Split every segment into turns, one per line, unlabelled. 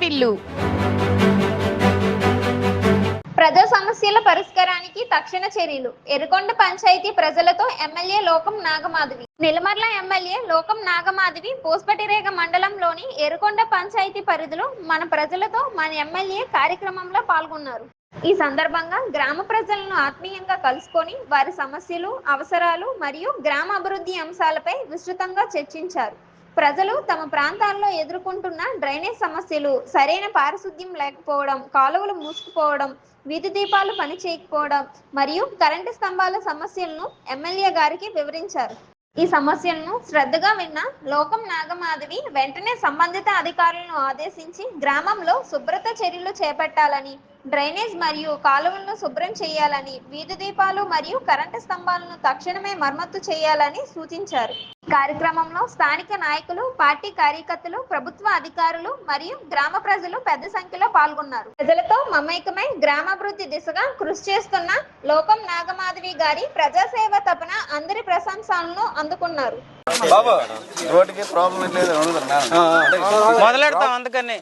వార్తిల్లు.
ప్రజా సమస్యల పరిష్కారానికి తక్షణ చర్యలు. ఎర్రగొండ పంచాయతీ ప్రజలతో ఎమ్మెల్యే లోకం నాగమాధవి. నిలమర్ల ఎమ్మెల్యే లోకం నాగమాధవి పూసపటిరేగ మండలంలోని ఎర్రగొండ పంచాయతీ పరిధిలో మన ప్రజలతో మన ఎమ్మెల్యే కార్యక్రమంలో పాల్గొన్నారు. ఈ సందర్భంగా గ్రామ ప్రజలను ఆత్మీయంగా కలుసుకొని వారి సమస్యలు, అవసరాలు మరియు గ్రామ అభివృద్ధి అంశాలపై విస్తృతంగా చర్చించారు. ప్రజలు తమ ప్రాంతాల్లో ఎదుర్కొంటున్న డ్రైనేజ్ సమస్యలు, సరైన పారిశుద్ధ్యం లేకపోవడం, కాలువలు మూసుకుపోవడం, వీధి దీపాలు పనిచేయకపోవడం మరియు కరెంటు స్తంభాల సమస్యలను ఎమ్మెల్యే గారికి వివరించారు. ఈ సమస్యలను శ్రద్ధగా విన్న లోకం నాగమాధవి వెంటనే సంబంధిత అధికారులను ఆదేశించి గ్రామంలో శుభ్రత చర్యలు చేపట్టాలని, డ్రైనేజ్ మరియు కాలువలను శుభ్రం చేయాలని, వీధి దీపాలు మరియు కరెంటు స్తంభాలను తక్షణమే మరమ్మతు చేయాలని సూచించారు. కార్యక్రమంలో స్థానిక నాయకులు, పార్టీ కార్యకర్తలు, ప్రభుత్వ అధికారులు మరియు గ్రామ ప్రజలు పెద్ద సంఖ్యలో పాల్గొన్నారు. ప్రజలతో మమేకమై గ్రామాభివృద్ధి దిశగా కృషి చేస్తున్న లోకం నాగమాధవి గారి ప్రజాసేవ తపన అందరి ప్రశంసలను అందుకున్నారు.
మొదలెడతాం అందుకని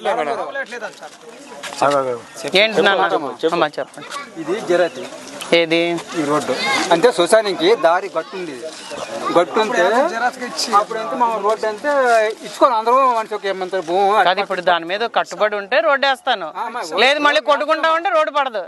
ఏంటి చెప్పండి.
ఇది జరతి
ఏది
ఈ రోడ్డు అంటే శ్మశానికి దారి గట్టుంది. గట్టుంటే అప్పుడు ఎంత మా రోడ్డు అంటే ఇచ్చుకోవాలి అందరూ మనిషి ఏమంటారు భూమి.
అది ఇప్పుడు దాని మీద కట్టుబడి ఉంటే రోడ్డు వేస్తాను, లేదు మళ్ళీ కొట్టుకుంటా ఉంటే రోడ్డు పడదు.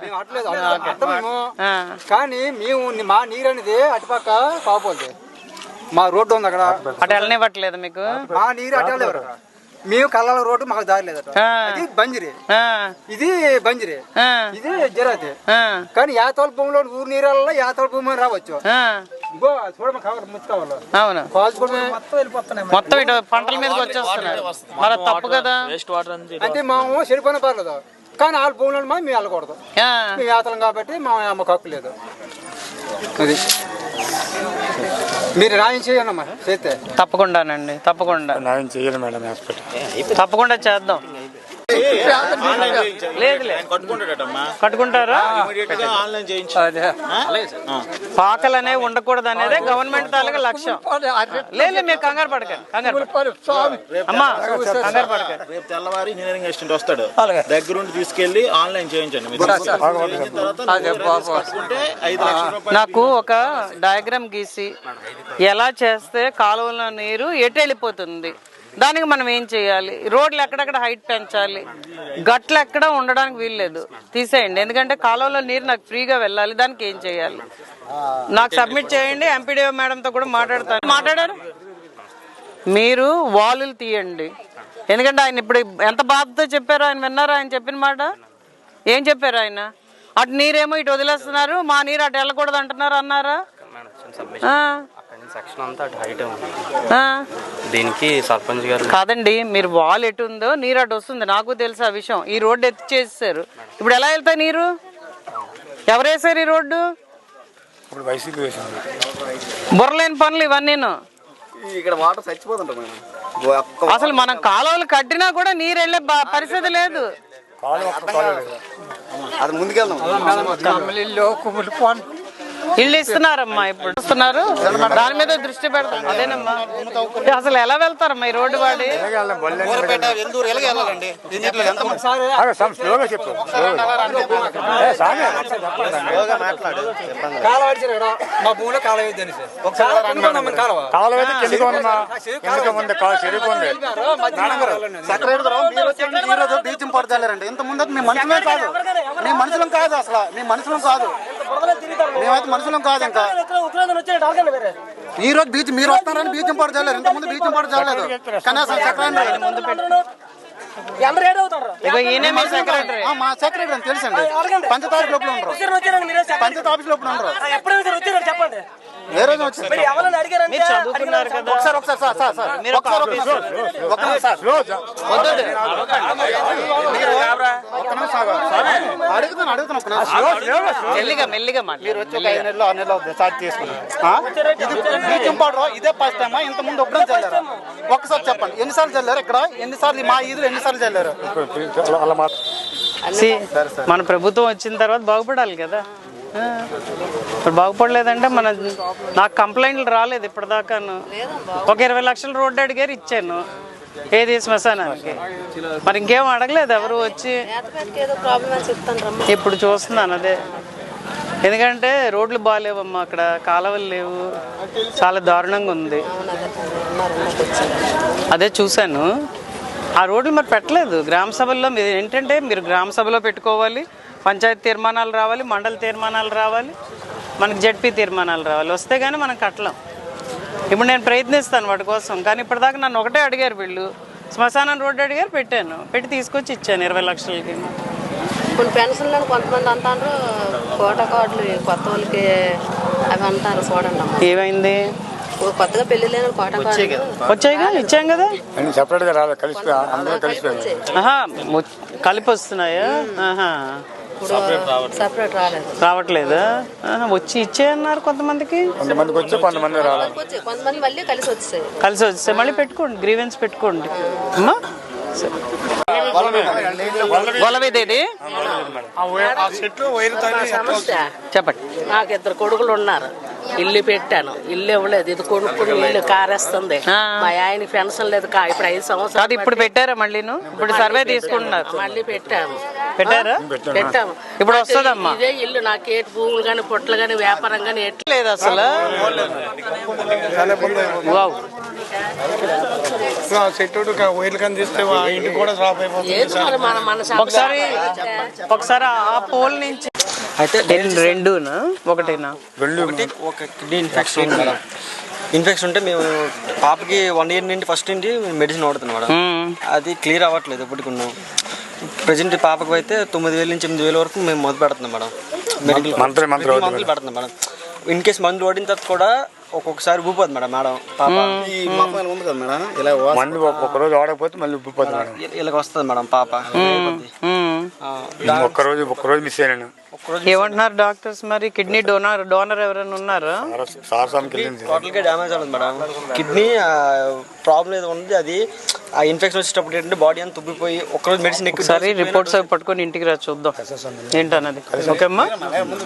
కానీ మేము మా నీరు అనేది అటుపక్క కాకపోతే మా రోడ్డు ఉంది అక్కడ
అటు వెళ్ళనివ్వట్లేదు మీకు.
మా నీరు అటు వెళ్ళేవారు. మేము కళ్ళ రోడ్డు మాకు దారి లేదట. ఇది బంజిరి, ఇది బంజిరి, ఇది జరాతి. కానీ యాతోల భూమిలో ఊరు నీళ్ళలో యాతోల భూమి రావచ్చు.
అవును, మొత్తం ఇటు పంటల మీదకి వచ్చేస్తున్నాయి. మరి తప్పు కదా.
అంటే మేము చెడిపోయినా పర్లేదు, కానీ వాళ్ళ భూమిలో మేము వెళ్ళకూడదు. మేము యాతలం కాబట్టి మా అమ్మకు హక్కు లేదు. అది మీరు న్యాయం చేయండి చేస్తే.
తప్పకుండానండి, తప్పకుండా
న్యాయం చేయాలి మేడం.
తప్పకుండా చేద్దాం. కట్టుకుంటారా? పాకలు అనేవి ఉండకూడదు అనేదే గవర్నమెంట్ తాలూకా లక్ష్యం. లేదు మీరు కంగారు పడకండి, అమ్మా కంగారు పడకండి.
రేపు తెల్లవారి ఇంజనీరింగ్ అసిస్టెంట్ వస్తాడు, దగ్గరుండి తీసుకెళ్లి ఆన్లైన్ చేయించండి.
నాకు ఒక డయాగ్రామ్ గీసి ఎలా చేస్తే కాలువల నీరు ఎటు వెళ్ళిపోతుంది, దానికి మనం ఏం చేయాలి, రోడ్లు ఎక్కడెక్కడ హైట్ పెంచాలి, గట్లు ఎక్కడ ఉండడానికి వీల్లేదు, తీసేయండి. ఎందుకంటే కాలువలో నీరు నాకు ఫ్రీగా వెళ్ళాలి, దానికి ఏం చేయాలి నాకు సబ్మిట్ చేయండి. ఎంపీడీఓ మేడంతో కూడా మాట్లాడారు. మీరు వాలులు తీయండి. ఎందుకంటే ఆయన ఇప్పుడు ఎంత బాధతో చెప్పారో ఆయన విన్నారా? ఆయన చెప్పిన మాట ఏం చెప్పారు ఆయన? అటు నీరేమో ఇటు వదిలేస్తున్నారు, మా నీరు అటు వెళ్ళకూడదు అంటున్నారు అన్నారా?
సెక్షన్ అంతా అటు హైట్ ఉంది. దీనికి సర్పంచ్ గారు
కాదండి, మీరు వాల్ ఎటు ఉందో నీరు అటు వస్తుంది, నాకు తెలుసు ఆ విషయం. ఈ రోడ్డు ఎత్తి చేసేసారు, ఇప్పుడు ఎలా వెళ్తాయి నీరు? ఎవరు వేసారు ఈ రోడ్డు? బుర్రలేని పనులు ఇవన్నీ.
ఇక్కడ వాటర్ చచ్చిపోతుంటాం.
అసలు మనం కాలువలు కట్టినా కూడా నీరు వెళ్ళే పరిస్థితి లేదు.
అది ముందుకెళ్దాం.
ఇల్లు ఇస్తున్నారమ్మా, ఇప్పుడు ఇస్తున్నారు, దాని మీద దృష్టి పెడతాం. అదేనమ్మా, అసలు ఎలా వెళ్తారమ్మా ఈ రోడ్డు వాడి?
మా భూమిలో కాలువ
బీచం పడతారండి. ఇంత ముందు మీ మనుషులే కాదు, మీ మనుషులం కాదు, అసలు మీ మనుషులం కాదు, మేమైతే మనుషులం కాదు. ఇంకా ఈ రోజు బీచ్ మీరు వస్తున్నారని బీచం పాటు చేయలేరు, ఇంత ముందు బీచం పాటు చేయలేదు. కనీసం మా సెక్రటరీ అని తెలుసండి. పంచాయతీ లోపల ఉండరు, పంచాయతీ ఆఫీస్ లోపల ఉండరు. ఏ రోజు వచ్చింది? ఇదే ఫస్ట్ టైమా? ఇంత ముందు ఒక్కడే చల్లారు? ఒక్కసారి చెప్పండి, ఎన్నిసార్లు చల్లారు ఇక్కడ? ఎన్నిసార్లు మా ఈదులు ఎన్నిసార్లు చల్లారు?
మన ప్రభుత్వం వచ్చిన తర్వాత బాగుపడాలి కదా. ఇప్పుడు బాగుపడలేదంటే నాకు కంప్లైంట్లు రాలేదు ఇప్పటిదాకాను. ఒక 20 లక్షల రోడ్డు అడిగారు, ఇచ్చాను. ఏది శ్మశానానికి? మరి ఇంకేం అడగలేదు ఎవరు వచ్చి?
ఏదో ప్రాబ్లం అని చెప్తాను రమ్మ.
ఇప్పుడు చూస్తున్నాను అదే, ఎందుకంటే రోడ్లు బాగాలేవమ్మా, అక్కడ కాలువలు లేవు, చాలా దారుణంగా ఉంది. అదే చూశాను ఆ రోడ్లు మరి పెట్టలేదు. గ్రామ సభల్లో మీరు ఏంటంటే మీరు గ్రామ సభలో పెట్టుకోవాలి, పంచాయతీ తీర్మానాలు రావాలి, మండల తీర్మానాలు రావాలి, మనకి జెడ్పీ తీర్మానాలు రావాలి, వస్తే కానీ మనం కట్టలేం. ఇప్పుడు నేను ప్రయత్నిస్తాను వాటి కోసం, కానీ ఇప్పటిదాకా నన్ను ఒకటే అడిగారు వీళ్ళు, శ్మశానం రోడ్డు అడిగారు, పెట్టాను, పెట్టి తీసుకొచ్చి ఇచ్చాను 20 లక్షలకి.
కొన్ని పెన్షన్లను కొంతమంది అంటారు కోటా కార్డులు కొత్త వాళ్ళకి అవి అంటారు, చూడండి అమ్మ.
ఏమైంది?
కొత్తగా పెళ్లి లేని కోటా కార్డులు
వచ్చాయిగా, ఇచ్చాం కదా.
సెపరేట్గా రాలేదు, కలిసి అందరూ కలిసిపోయారు.
ఆహా, కలిపి వస్తున్నాయా? ఆహా,
సపరేట్ రాలేదు.
రావట్లేదా? వచ్చి ఇచ్చేయన్నారు కొంతమందికి,
కొంతమందికి వచ్చి కొంతమంది రాలేదు.
కొంతమంది మళ్ళీ కలిసి వచ్చేసాయి.
కలిసి వస్తే మళ్ళీ పెట్టుకోండి, గ్రీవెన్స్ పెట్టుకోండి అమ్మా. గొలవేదేది
సమస్య
చెప్పండి.
నాకు 2 కొడుకులు ఉన్నారు, ఇల్లు పెట్టాను, ఇల్లు ఇవ్వలేదు, ఇది కొనుక్కుని ఇల్లు కారేస్తుంది. మా ఆయన పెన్షన్ లేదు, ఇప్పుడు 5 సంవత్సరాలు
కాదు, ఇప్పుడు పెట్టారా మళ్ళీను? ఇప్పుడు సర్వే తీసుకుంటున్నారు,
మళ్ళీ పెట్టాము.
పెట్టారా?
పెట్టాము.
ఇప్పుడు వస్తుందమ్మా.
ఇదే ఇల్లు నాకు ఏటి భూములు కానీ పొట్లు కానీ వ్యాపారం కానీ ఎట్లా
లేదు అసలు. వావ్.
ఏది మరి మన
ఒకసారి ఆ పోల్ నుంచి
అయితే
రెండునా ఒకటేనా?
ఒక కిడ్నీ ఇన్ఫెక్షన్ ఉంది మేడం. ఇన్ఫెక్షన్ ఉంటే మేము పాపకి 1 ఇయర్ నుండి ఫస్ట్ నుండి మెడిసిన్ వాడుతున్నాం మేడం. అది క్లియర్ అవ్వట్లేదు ఇప్పటికి ఉన్నాం. ప్రజెంట్ పాపకు అయితే 9,000 నుంచి 8,000 వరకు మేము మొదలు పెడుతున్నాం మేడం. మెడికల్ మందులు పెడుతున్నాం మేడం. ఇన్ కేసు మందులు వాడిన తర్వాత కూడా ఒక్కొక్కసారి ఊపిపోతుంది మేడం పాప.
ఈ మొక్కలు ఉంది కదా మేడం, ఇలా మందు ఒక్కరోజు వాడకపోతే మళ్ళీ ఉబ్బిపోతుంది మేడం.
ఇలాగ వస్తుంది మేడం పాప.
ఒక్కరోజు మిస్ అయ్యాను.
ఏమంటున్నారు డాక్టర్స్ మరి? కిడ్నీ డోనర్ ఎవరైనా ఉన్నారా?
టోటల్ గా డ్యామేజ్ అవుతుంది మేడం. కిడ్నీ ప్రాబ్లం ఏదో ఉంది, అది ఆ ఇన్ఫెక్షన్ వచ్చేటప్పుడు ఏంటంటే బాడీ అంతా తుబ్బిపోయి ఒక్కరోజు మెడిసిన్
ఒకసారి రిపోర్ట్స్ అవి పట్టుకొని ఇంటికి రా, చూద్దాం ఏంటన్నది. ఓకే అమ్మా.